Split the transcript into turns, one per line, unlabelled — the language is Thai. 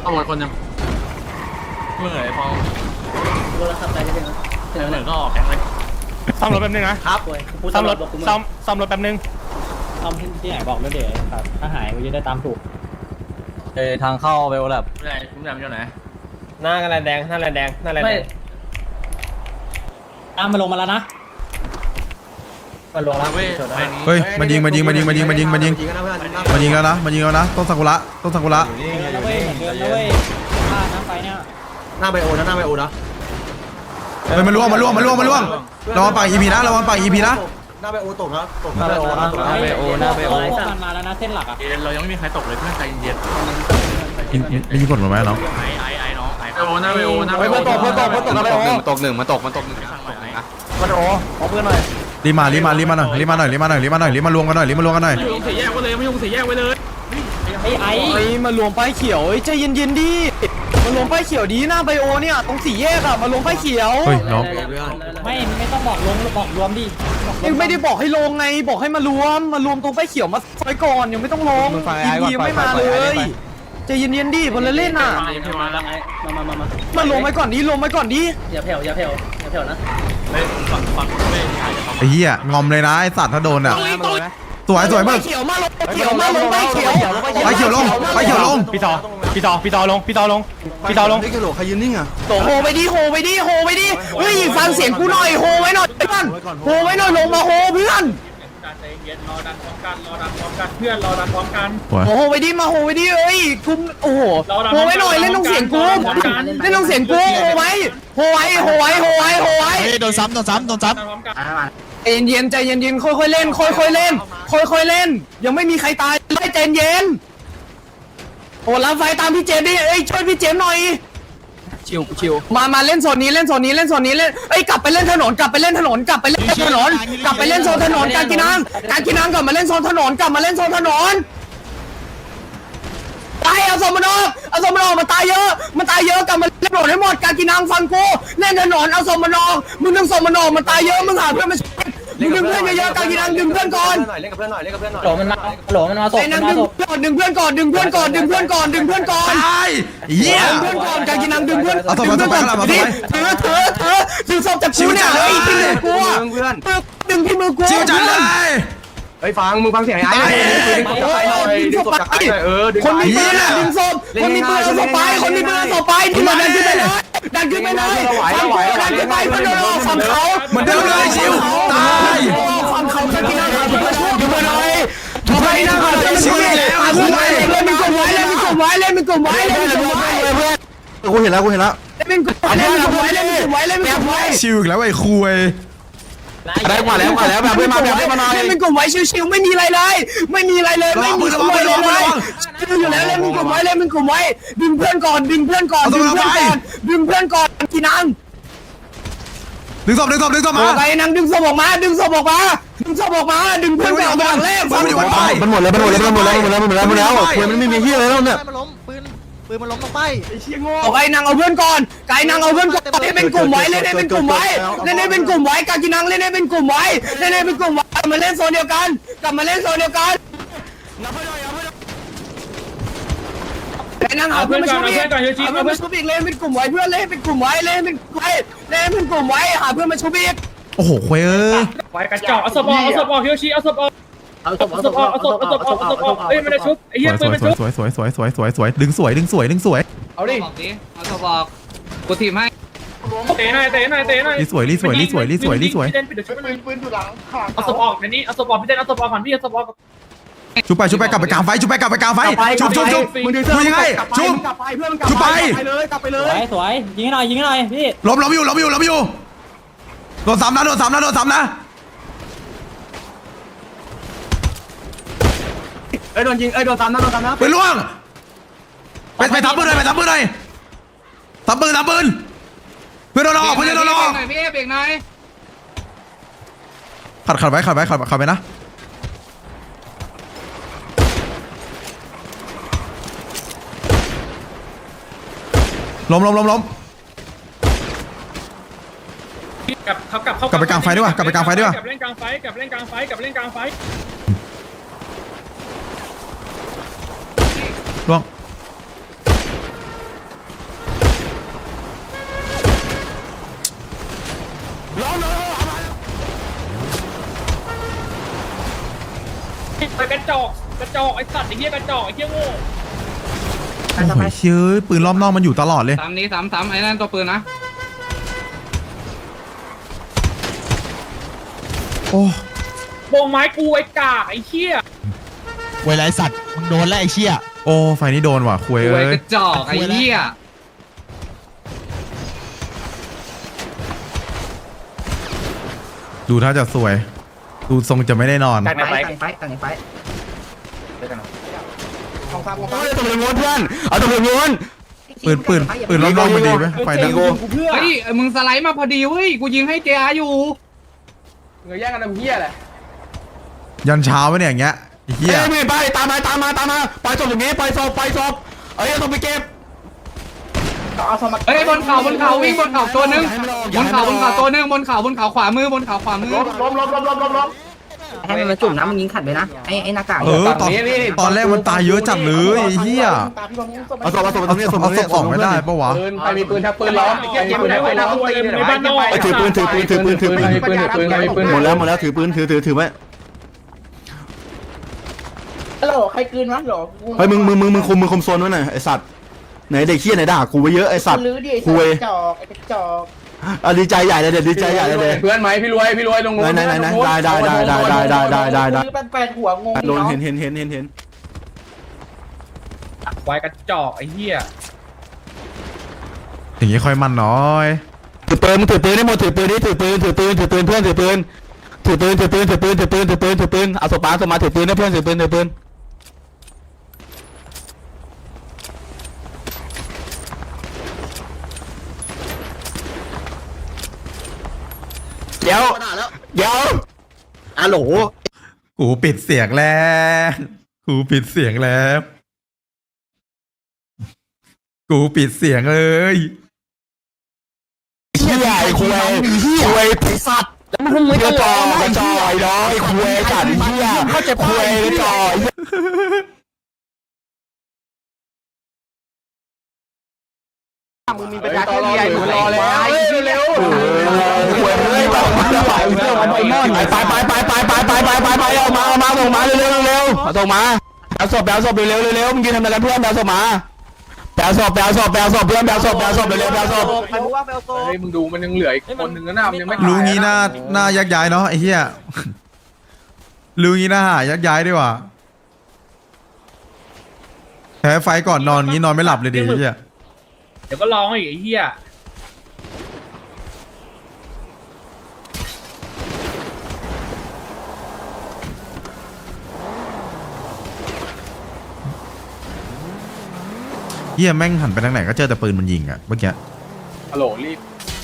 ต้องรถคนยังเมื่อไหร่พอรถขับไปจะถึงเหมือนก็ออกแข่งเลย
ซ่อมรถแป๊บนึงนะครับซ่อมรถแป๊บนึง
ซ่อมที่ไหนบอกด้วยเดี๋ยวครับถ้าหายก็จะได้ตามถูก
ทางเข้าไปโอแลบ
ไม่ได้คุณจำอยู่ไหน
หน้ากันแดงหน้าแดง
ตามมาลงมาแล้วนะมาลงแล้ว
เฮ้ยมันยิงแล้วนะมันยิงแล้วนะต้นซากุระ
แล้วเว้ยเหมือนเดิมแล้วเว้ยน้ำไฟเนี่ย
หน้าไบโอนะ
เฮ้ยมันล่วงระวังปากอีพีนะระวังปากอีพีนะ
หน้าไบโอตกนะหน้าไบโอ
มันมาแล้วนะเส้นหลักอ่ะ
เรายังไม่มีใครตกเลยเพื่อนใจเย็น
ไม่ยิงกดหมดไหมน้อง
ไอ้น้องไอ้โอหน้าไบโอหน้าไบโอ
ตกหนึ่งมันตก
มัน
โอขอเพื่อนหน่อย
รีบมารวมกันหน่อยรีบมารวมกันหน่อย
ไม่ยุ่งสี่แยกไว้เลย
ไอ้
มารวมป้ายเขียวใจเย็นดิมารวมป้ายเขียวดีหน้าไบโอเนี่ยตรงสี่แยกอะมารวมป้ายเขียว
เฮ้ยน้อง
ไม่ต้องบอกลงบอกรวมดิ
ไม่ได้บอกให้ลงไงบอกให้มารวมตรงป้ายเขียวมาซอยก่อนยังไม่ต้องลงอีไม่มาเลยใจเย็นดิคนละเล่นอ่ะมาลงไปก่อนดิ
อย่าแผ่วนะ
ฟังไม่
ไอ้เหี้ยงอมเลยนะไอ้สัตว์ถ้าโดนอ่ะสวยมาก
เขียวมาลงป้ายเขียว
ลง
พี่ต่อลง
ใครยืนนิ่งอ่ะโหไปดิเฮ้ยฟังเสียงกูหน่อยโหไว้หน่อยเพื่อนโหไว้หน่อยลงมาโหเพื่อน
รอดันพร้อมกันเพื่อนรอดันพร้อมกัน
โหไปดิเอ้ยกุมโอ้โหโหไว้หน่อยเล่นต้องเสียงกูเล่นต้องเสียงกูโหไว้
โดนซ้ำ
ใจเย็นค่อยๆเล่นยังไม่มีใครตายเลยใจเย็นโอ้รับไฟตามพี่เจมดิเอ้ยช่วยพี่เจมหน่อยชิวมาเล่นโซนนี้เล่นเอ้ยกลับไปเล่นถนนกลับไปเล่นโซนถนนการกินังกลับมาเล่นโซนถนนกลับมาเล่นโซนถนนตายเอาสมนอมาตายเยอะกลับมาเล่นถนนให้หมดการกินังฟังกูเล่นถนนเอาสมนอมึงดึงสมนอมาตายเยอะมึงหาเพื่อนมาดึงเพื่อนเยอะๆการกินังดึงเพื่อนก่อน
เล่นกับเพื่อนหน่อยโหลมันมาตก
ดึงเพื่อนก่อน
ตายเหี้ย
ดึงเพื่อนก่อนการกินังดึงเพื่อน
เอาตัวไป
ถือศพจากกูเนี่ยเฮ้ยที่มือกูดึงที่มือกู
ชิวจัดเลย
เฮ้ยมึงฟังเสียงไอ้ดึงศพจากไอ้คนมีปืนดึงศพคนมีปืนเอาศพไปที่มันดันขึ้นไปเลยดันขึ้นไปเพื่อนเราฝั่งเขา
เหมือนเดิมเลยชิวตาย
ฝั่งเขาจะกินอาหารเพื่อนช่วยกันหน่อยทำไมนะ
ชิวแล้ว
เล่นเป็นกลุ่มไว้เล่นเป็นกลุ่มไว้กูเห็นแล้วเล่นเป็นกลุ่มไว้
ชิวอีกแล้วไอ้คุย
ได้มาแล้วแบบเพื่อนมาหน่อยเล่นเป็นกลุ่มไว้ชิวๆไม่มีอะไรเลยไม่มีอะไรเลยอยู่แล้วเล่นเป็นกลุ่มไว้ดึงเพื่อนก่อนกินัง
ดึงศพมา
ไปนังดึงศพออกมาดึงเพื่อนก่อนฝั่งแรกมันหมดแล้วปืนมันไม่มีเหี้ยแล้วเนี่ยปืนมันล้มลงไปไอ้เชี่ยโง่ไอ้นางเอาเพื่อนก่อนเล่นเป็นกลุ่มไว้การกินังเล่นเป็นกลุ่มไว้มาเล่นโซนเดียวกันไอ้นางเอาเพื่อนมาช่วยอีกเล่นเป็นกลุ่มไว้เพื่อนเล่นเป็นกลุ่มไว้หาเพื่อนมาช่วยอีก
โอ้โหคุย
ไว้กระจอกเอาศพออกเฮียชีเอาศพออกเอ้ยมันจะชุบไอ้เหี้ยปืนมันชุบ
สวยดึงสวย
เอาดิเอาศพออกกูทีมให้เตะหน่อย
รีสวย
พี่เต้นปิดเดี๋ยวชุบมันปืนอยู่หลังเอาศพออกเดี๋ยวนี้เอาศพออกพี่เต้นเอาศพออกก่อนพี่เอาศพออก
ชุบไปกลับไปกลางไฟชุบมึงดูยังไงชุบไป
เลยสวยยิงหน่อยพี่
ล้มอยู่โดนซ้ำนะ
โดนยิงโดนซ้ำนะ
ไปล่วงไปทับปืนหน่อยทับปืนเพื่อนโดนออกพี่เบรกหน่อยขัดไว้นะล้มกลับไปกลางไฟดีกว่ากลับเล่นกลางไฟล่วง
ไปกระจอกไอ้สัตว์ไอ้เหี้ยกระจอกไอ้เหี้ยโง่
โอ้โหเชื่อปืนรอบนอกมันอยู่ตลอดเลย
สามนี้สามไอ้นั่นตัวปืนนะ
โอ้
โบงไม้กูไอ้กากไอ้เหี้ย
เวลาไอ้สัตว์มึงโดนแล้วไอ้เชี่ย
โอ้ไฟนี้โดนว่ะคุย
ป่วย
เอ้
ก
ย
ระจอกไอ้เหี้ย
ดูถ้าจะสวย ดูทรงจะไม่ได้นอน
ตั้งไฟ
ตำรวจม้วนเพื่อนเอาตำรวจม้วน
ปืนรอบนอกมันดีไหมไฟนั้น
เฮ้ยมึงสไลด์มาพอดีเว้ยกูยิงให้เจ้าอยู่
เงยแย่งกันทำเหี้ยแหละ
ยันเช้าไหมเนี่ยอย่างเงี้ยไอ้เหี้ย
ไม่ไปตามมาปล่อยศพอย่างนี้ปล่อยศพเอ้ยเอาศพไปเก็บ
เฮ้ยบนเขาวิ่งบนเขาตัวนึงบนเขาตัวนึงบนเขาขวามือบนเขาขวามือ
ให้มันมาจุ่มน้ำมึงยิงขัดไปนะไอ้หน้ากาก
เออตอนแรกมันตายเยอะจัดเลยไอ้เหี้ย
เอาศพตรงนี้
เอาศพออกไม่ได้ปะวะ
ใครมีปืนถ้าปืนล้อม
ในบ้านนอก
ถือปืนหมดแล้วถือปืนถือไว้
ฮัลโหลใครกลืนวะหรอ
เฮ้ยมึงคุมโซนไว้หน่อยไอ้สัตว์ไหนเด็กเขี้ยไหนด่ากูไปเยอะไอ้สัตว์
ลื้อดิ
คุย
จอกไอ้กระจอก
ดีใจใหญ่เลยดีใจใหญ่เลย
เพื่อนไหมพี่รวยลง
ไหนได้
ลื้อแปดหัวงง
โดนเห็น
ควายกระจอกไอ้เหี้ย
อย่างงี้ค่อยมันน้อย
ถือปืนได้หมดถือปืนเพื่อนถือปืนเอาศพมาถือปืนนะเพื่อนถือปืนเดี๋ยวอะโหล
กูปิดเสียงแล้วกูปิดเสียงแล้วกูปิดเสียงเลย
เหี้ยไอ้คุยสัตว์แล้วมึงไม่กระจอยน้อยคุยสัตว์เหี้ยเขาจะคุยกระจอยมึงมีประชาชนใหญ่มึงรอแล้วเร็วคุยเลยไปเอามาส่งมาเร็วส่งมาเอาศพเร็วมึงยืนทำอะไรกันเพื่อนเอาศพมาแปลศพเพื่อนแปลศพเร็วแปลศพ
ใครรู้ว่าไปเอาโซ่
เฮ้ยมึงดูมันยังเหลืออีกคนหนึ่งนะมันยังไม่
รู้งี้หน้ายักย้ายเนาะไอ้เหี้ยรู้งี้หน้ายักย้ายดีกว่าแพ้ไฟก่อนนอนงี้นอนไม่หลับเลยดิไอ้เหี้ย
เดี๋ยวก็ร้องอีกไอ้เหี้ย
เหี้ยแม่งหันไปทางไหนก็เจอแต่ปืนมันยิงอะเมื่อกี้
ฮัลโหลรีบ